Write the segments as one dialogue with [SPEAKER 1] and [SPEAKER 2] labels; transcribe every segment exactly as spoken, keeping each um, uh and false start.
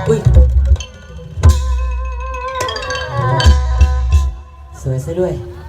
[SPEAKER 1] อุ้ยสวยซะด้วย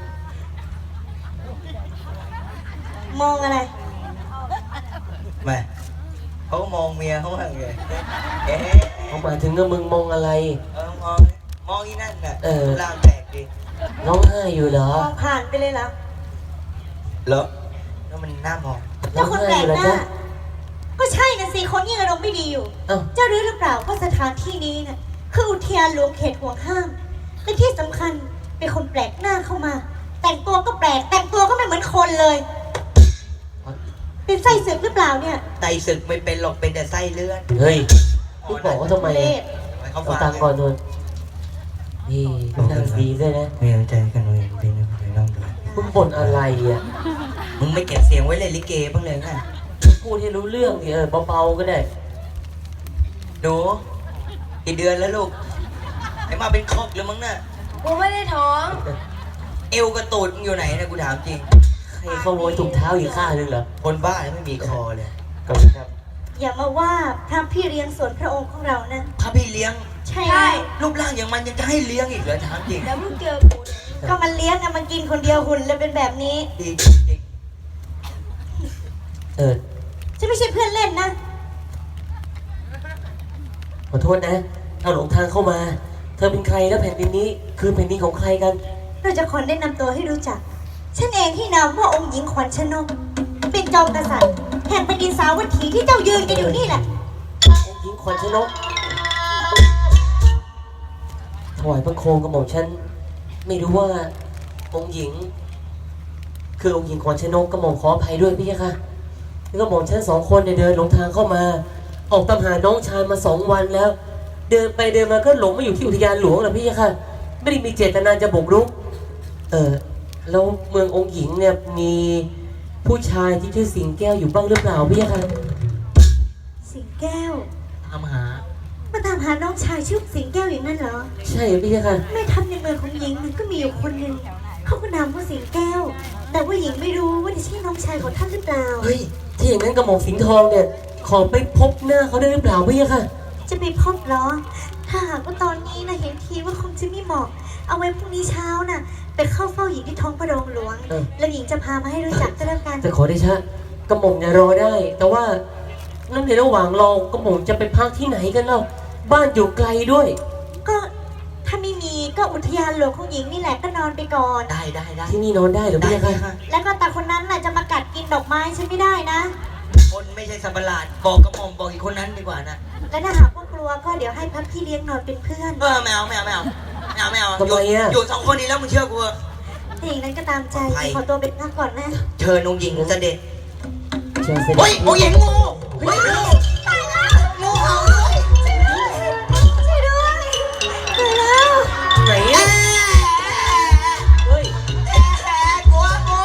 [SPEAKER 2] มองอะไร
[SPEAKER 3] แม่เขามองเมียเขาว่าไงเอ๊ะ
[SPEAKER 1] เขาหมายถึงว่ามึงมองอะไร
[SPEAKER 3] เออมองมองอีนั่นน่ะ
[SPEAKER 1] เออ
[SPEAKER 3] ร่างแปลกดิ
[SPEAKER 1] ร้องไห้อยู่เหรอ
[SPEAKER 2] มองผ่านไปเลยแล้ว
[SPEAKER 3] เหรอแล้วมันน่ามอง
[SPEAKER 2] เจ้าคนแปลกหน้าก็ใช่นะสิคนยิ่งอารมณ์ไม่ดีอยู่เจ้ารู้หรือเปล่าว่าสถานที่นี้น่ะคืออุทยานหลวงเขตห่วงห้ามและที่สำคัญเป็นคนแปลกหน้าเข้ามาแต่งตัวก็แปลกแต่งตัวก็ไม่เหมือนคนเลยเป็นไส้ศึกหรือเปล่าเนี่ย
[SPEAKER 3] ไตศึกไม่เป็นหรอกเป็นแต่ไส้เลื่อน
[SPEAKER 1] เฮ้ยพี่บอกว่าทำไม
[SPEAKER 3] เขา
[SPEAKER 1] เอาตังก่อนเลยนี่นั่งดีด้วยนะ
[SPEAKER 3] ไม่เอาใจกันเลยเป็นอะไรน้องดู
[SPEAKER 1] มึงบ่นอะไรอ่ะ
[SPEAKER 3] มึงไม่เก็บเสียงไว้เลยลิเกบ้างเลยไง
[SPEAKER 1] พูดให้รู้เรื่องดิเออเบาๆก็ได้
[SPEAKER 3] ดูกี่เดือนแล้วลูกไอ้มาเป็นคอกแล้วมั้งน่ะ
[SPEAKER 2] กูไม่ได้ท้อง
[SPEAKER 3] เอวกระตูดมึงอยู่ไหนนะกูถามจริง
[SPEAKER 1] ใครขโมยถุงเท้าอีกข้างนึงเหรอ
[SPEAKER 3] คนบ้าแล้วไม่มีคอเลย
[SPEAKER 1] ขอบคุณครับ
[SPEAKER 2] อย่ามาว่าพระพี่เลี้ยงส่วนพระองค์ของเรานะ
[SPEAKER 3] พระพี่เลี้ยง
[SPEAKER 2] ใช่
[SPEAKER 3] รูปร่างอย่างมันยังจะให้เลี้ยงอีกเหรอถามจริง
[SPEAKER 2] แล้วมึงเจอกูก็มันเลี้ยงอะมันกินคนเดียวหุ่นเลยเป็นแบบนี้
[SPEAKER 3] ดีจริง
[SPEAKER 1] เออ
[SPEAKER 2] ฉันไม่ใช่เพื่อนเล่นนะ
[SPEAKER 1] ขอโทษนะเอาหลงทางเข้ามาเธอเป็นใครแล้วแผ่นดินนี้คือแผ่นดินของใครกัน
[SPEAKER 2] เราจะขอแนะนำตัวให้รู้จักฉันเองที่นามว่าองค์หญิงขวัญชนกเป็นจอมกษัตริย์แห่งแผ่นดินสาวัตถีที่เจ้ายืนกันอยู่นี่แหละ
[SPEAKER 1] องค์หญิงขวัญชนกถวายพระโคมกระหม่อมฉันไม่รู้ว่าองค์หญิงคือองค์หญิงขวัญชนกกระหม่อมขออภัยด้วยพี่ค่ะแล้วกระหม่อมฉันสองคนเนี่ยเดินหลงทางเข้ามาออกตามหาน้องชายมาสองวันแล้วเดินไปเดินมาก็หลงมาอยู่ที่อุทยานหลวงนะพี่ค่ะไม่ได้มีเจตนาจะบุกรุกเออแล้วเมืององค์หญิงเนี่ยมีผู้ชายที่ชื่อสิงแก้วอยู่บ้างหรือเปล่าพี่ค่ะ
[SPEAKER 2] สิงแก้ว
[SPEAKER 3] ตามหา
[SPEAKER 2] มาตามหาน้องชายชื่อสิงแก้วอย่างนั้นเหรอ
[SPEAKER 1] ใช่พี่ค่ะ
[SPEAKER 2] แม่ทัพในเมืองของหญิงมันก็มีอยู่คนหนึ่งเขาก็นามว่าสิงแก้วแต่ว่าหญิงไม่รู้ว่าจะใช่น้องชายของท่านหรือเปล่า
[SPEAKER 1] เฮ้ยที่อย่างนั้นกระหม่อมสิงห์ทองเนี่ยขอไปพบหน้าเขาได้หรือเปล่าพี่ค่ะ
[SPEAKER 2] จะไปพบเหรอถ้าหากว่าตอนนี้นะเห็นทีว่าคงจะไม่เหมาะเอาไว้พรุ่งนี้เช้าน่ะไปเข้าเฝ้าหญิงที่ท้องพระโรงหลวงแล้วหญิงจะพามาให้รู้จักก็แล้วกัน
[SPEAKER 1] จะขอได้ชะกระหม่อมเนี่ยรอได้แต่ว่านั่นในระหว่างรอกระหม่อมจะไปพักที่ไหนกันเล่าบ้านอยู่ไกลด้วย
[SPEAKER 2] ก็ถ้าไม่มีก็อุทยานหลวงของหญิงนี่แหละก็นอนไปก่อน
[SPEAKER 3] ได้ได้ได้
[SPEAKER 1] ที่นี่นอนได้หรือไม่คะ
[SPEAKER 2] แล้วก็ตาคนนั้นน่ะจะมากัดกินดอกไม้ฉันไม่ได้นะ
[SPEAKER 3] คนไม่ใช่สับหลาดบอกกระหม่อมบอกอีกคนนั้นดีกว่านะ
[SPEAKER 2] และถ้าหากว่ากลัวก็เดี๋ยวให้พักพี่เลี้ยงนอนเป็นเพื่อน
[SPEAKER 3] เออไม่เอาไม่เอาไม่เอาไม่เอาไม่เอา
[SPEAKER 1] ทำไมอ่ะ
[SPEAKER 3] อยู่สองคนนี้แล้วมึงเชื่อกู
[SPEAKER 2] ถ้าอย่างนั้นก็ตามใจขอตัวเป็นพักก่อนนะ
[SPEAKER 3] เชิญองค์หญิงเสด็จ
[SPEAKER 1] เชิญเสด็จ
[SPEAKER 3] โอ้ยองค์หญิงงูเฮ้ยงูตายแล้วงูเห่า
[SPEAKER 2] ช่วยด้วยช่วยแล้ว
[SPEAKER 1] ไหนอ่ะเฮ้ย
[SPEAKER 3] กลัวงู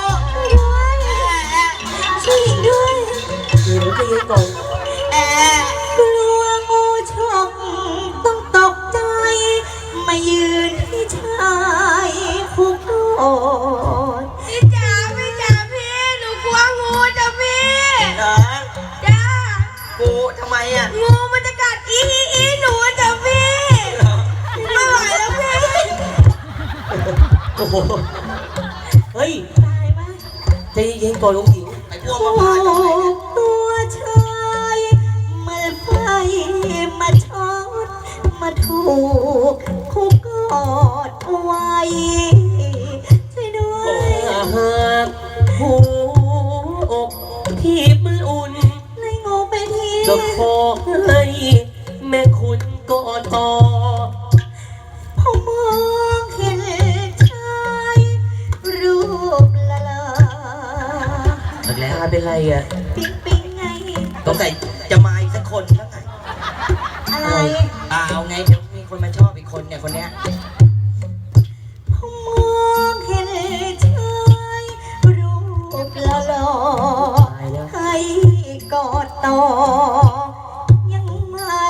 [SPEAKER 2] ช่วยหญิงด้วย
[SPEAKER 1] เดี๋ยวจะยืนก่อน
[SPEAKER 2] กลัวงูฉกต้องตกใจมายืนที่ชายคุกโอด
[SPEAKER 4] พี่จ๋าพี่จ๋าพี่หนูกลัวงูจ้ะพี่
[SPEAKER 3] เหรอ
[SPEAKER 4] จ้า
[SPEAKER 3] งูทำไมอ่ะ
[SPEAKER 4] งูมันจะกัดอีอีอีหนูจ้ะพี่ไม่ไหวแล้วพี่
[SPEAKER 1] โอ้โหเฮ้ย
[SPEAKER 2] ตายมาก
[SPEAKER 1] ใจเย็นก่อนลุงหญิง
[SPEAKER 3] ไอ้พวกมาพาทำไมเนี่ย
[SPEAKER 2] ตัวชายมาไฟมาช็อตมาถูกคุกกอดไว้ช่วยด้วย
[SPEAKER 1] หากหัวอกที่มันอุ่น
[SPEAKER 2] เลยงูไปที
[SPEAKER 1] ก็ขอให้แม่คุณกอดต่อ
[SPEAKER 2] พอมองเห็นชายรูปละลา
[SPEAKER 1] แล้วเป็นไรอ่ะ
[SPEAKER 2] ปิ๊งปิ๊งไง
[SPEAKER 3] ต้องใส่จะมาอีกสักคนแล้วไง
[SPEAKER 2] อะไร
[SPEAKER 3] อ่าเอาไงเดี๋ยวมีคนมาชอบอีกคนเนี่ยคนเนี้ย
[SPEAKER 2] พอมองเห็นชายรูปละลาให้กอดต่อยังไม่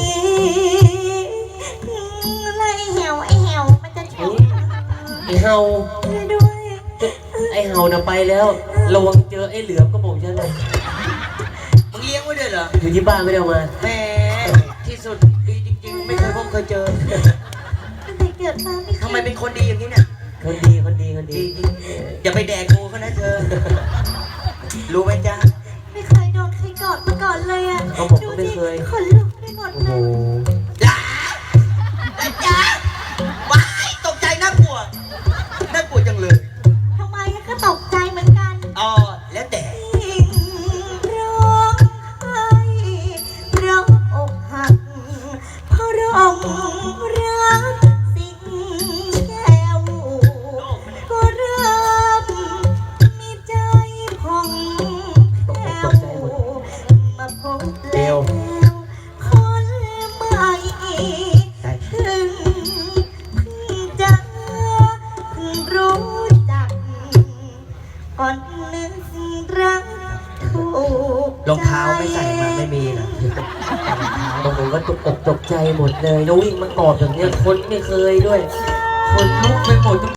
[SPEAKER 2] ไล่เหี่ยวไอเหี่ยวมันจะเฉา
[SPEAKER 1] ไอเห่า
[SPEAKER 2] ด้วย
[SPEAKER 1] ไอเห่าน่ะไปแล้วระวังเจอไอเหลือมก็บอกฉันเลย
[SPEAKER 3] มึงเลี้ยงไว้ด้วยเหรอ
[SPEAKER 1] อยู่ที่บ้านไม่ได้เอามา
[SPEAKER 3] แหมที่สุดดีจริงๆเคยเจอ
[SPEAKER 2] ตั้งแต่เกิดมาไม่เคย
[SPEAKER 3] ทำไมเป็นคนดีอย่างนี้เนี่ย
[SPEAKER 1] คนดีคนดีคน
[SPEAKER 3] ดี
[SPEAKER 1] ดี
[SPEAKER 3] จริงอย่าไปแดกกูเขานะเธอ รู้ไหมจ๊ะ
[SPEAKER 2] ไม่เคยโดนใครกอดมาก่อนเลยอ่ะ
[SPEAKER 1] เขาบอก
[SPEAKER 2] ดู
[SPEAKER 1] ว่าไม่
[SPEAKER 2] สิ
[SPEAKER 1] เคย
[SPEAKER 2] ขนลุกไปหมด
[SPEAKER 1] โอ้
[SPEAKER 2] เล
[SPEAKER 1] โห
[SPEAKER 2] ย
[SPEAKER 3] จ้าจ้าว้ายตกใจน่ากลัวน่ากลัวจังเลย
[SPEAKER 2] ทำไมก็ตกใจเหมือนกัน
[SPEAKER 3] อ๋อแล้วแต่
[SPEAKER 2] ยิ่งร้องไห้ร้องอกหักเพราะร้องรักสิ่งแก้วก็เริ่มมีใจผ่องแผ้วมาพบแล้วคนใหม่ถึงเพิ่งจะเพิ่งรู้จัก ก่อนนึกรักถูก
[SPEAKER 3] รองเท้าไม่ใส่มาไม่มีนะ
[SPEAKER 1] บางคนก็ตกอกตกใจหมดเลยแล้ววิ่งมากอดแบบเนี้ยคนไม่เคยด้วย คนลุกไปหมด